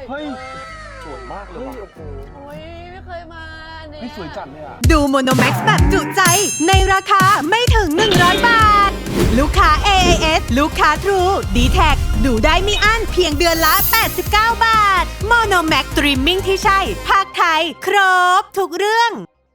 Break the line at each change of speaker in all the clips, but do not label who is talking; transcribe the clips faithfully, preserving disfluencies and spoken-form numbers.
เฮ้ยสวยมากเลยว่ะ
โอ้ยไม่เคยมาเนี่ย
นี่สวยจัดเลยอ่ะ
ดูโมโนแม็กซ์แบบจุใจในราคาไม่ถึง หนึ่งร้อย บาท ลูกค้า เอ เอ เอส ลูกค้า Trueดี แท็ก ดูได้ไม่อั้นเพียงเดือนละ แปดสิบเก้า บาทโมโนแม็กซ์สตรีมมิ่งที่ใช่ ภาคไทย ครบ ทุกเรื่อง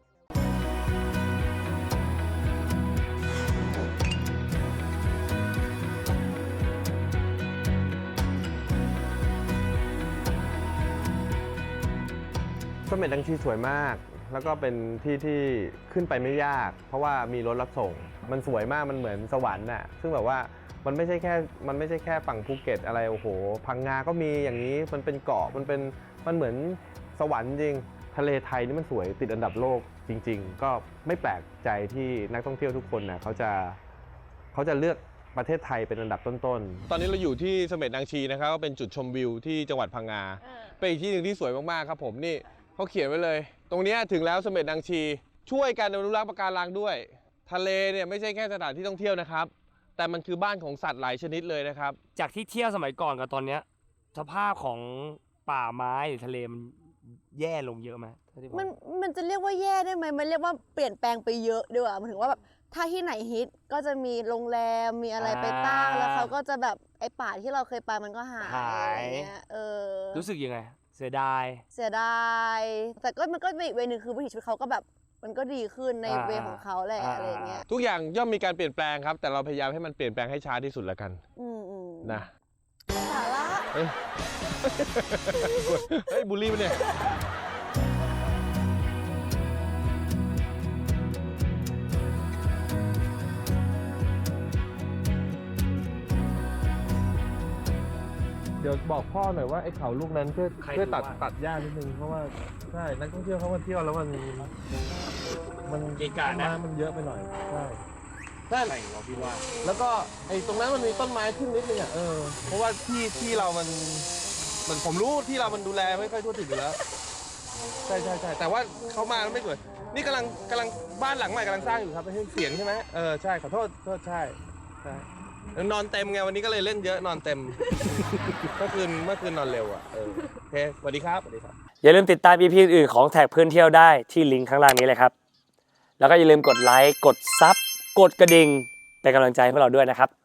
เสม็ดนางชีสวยมาก แล้วก็เป็นที่ที่ขึ้นไปไม่ยาก เพราะว่ามีรถรับส่ง มันสวยมากมันเหมือนสวรรค์น่ะซึ่งแบบว่ามันไม่ใช่แค่มันไม่ใช่แค่ฝั่งภูเก็ตอะไรโอ้โหพังงาก็มีอย่างนี้มันเป็นเกาะมันเป็นมันเหมือนสวรรค์จริงทะเลไทยนี่มันสวยติดอันดับโลกจริงๆก็ไม่แปลกใจที่นักท่องเที่ยวทุกคนน่ะเขาจะเขาจะเลือกประเทศไทยเป็นอันดับต้นๆตอนนี้เราอยู่ที่เสม็ดนางชีนะครับก็เป็นจุดชมวิวที่จังหวัดพังงาเป็นอีกที่หนึ่งที่สวยมากๆครับผมนี่เขาเขียนไว้เลยตรงนี้ถึงแล้วเสม็ดนางชีช่วยการอนุรักษ์ปะการังด้วยทะเลเนี่ยไม่ใช่แค่สถานที่ท่องเที่ยวนะครับแต่มันคือบ้านของสัตว์หลายชนิดเลยนะครับ
จากที่เที่ยวสมัยก่อนกับตอนเนี้ยสภาพของป่าไม้หรือทะเลมันแย่ลงเยอะไหม
มันมันจะเรียกว่าแย่ได้ไหมมันเรียกว่าเปลี่ยนแปลงไปเยอะด้วยหมายถึงว่าแบบถ้าที่ไหนฮิตก็จะมีโรงแรมมีอะไรไปตั้งแล้วเขาก็จะแบบไอ้ป่าที่เราเคยไปมันก็หายอะไรเงี้ยเออ
รู้สึกยังไงเสียดาย
เสียดายแต่ก็มันก็เป็นอีกเวนึงคือวิถีชีวิตเขาก็แบบมันก็ดีขึ้นในเวของเขาแหละอะไรเงี้ย
ทุกอย่างย่อมมีการเปลี่ยนแปลงครับแต่เราพยายามให้มันเปลี่ยนแปลงให้ช้าที่สุดแล้วกัน
อืม
นะ
สาระ
เฮ้ยเฮ้ยบูลลี่ปะเนี่ยเดี๋ยวบอกพ่อหน่อยว่าไอ้เขาลูกนั้นช่วยช่วยตัดตัดหญ้านิดนึงเพราะว่าใช่นักท่องเที่ยวเขามาเที่ยวแล้วมันมัน
เกะกะนะ
มันเยอะไปหน่อยใช่ใช่ไหนเราพี่ว่าแล้วก็ไอ้ตรงนั้นมันมีต้นไม้ขึ้นนิดนึงอ่ะเออเพราะว่าที่ที่เรามันมันผมรู้ที่เรามันดูแลไม่ค่อยทั่วถึงอยู่แล้วใช่ใช่ใช่แต่ว่าเขามาแล้วไม่สวยนี่กำลังกำลังบ้านหลังใหม่กำลังสร้างอยู่ครับไม่ใช่เสียงใช่ไหมเออใช่ขอโทษโทษใช่ใช่นอนเต็มไงวันนี้ก็เลยเล่นเยอะนอนเต็มเมื่อคืนเมื่อคืนนอนเร็วอ่ะเออโอเคสวัสดีครับสวัสดีครับ
อย่าลืมติดตาม อี พี อื่นของแท็กเพื่อนเที่ยวได้ที่ลิงก์ข้างล่างนี้เลยครับแล้วก็อย่าลืมกดไลค์กดซับกดกระดิ่งเป็นกำลังใจให้พวกเราด้วยนะครับ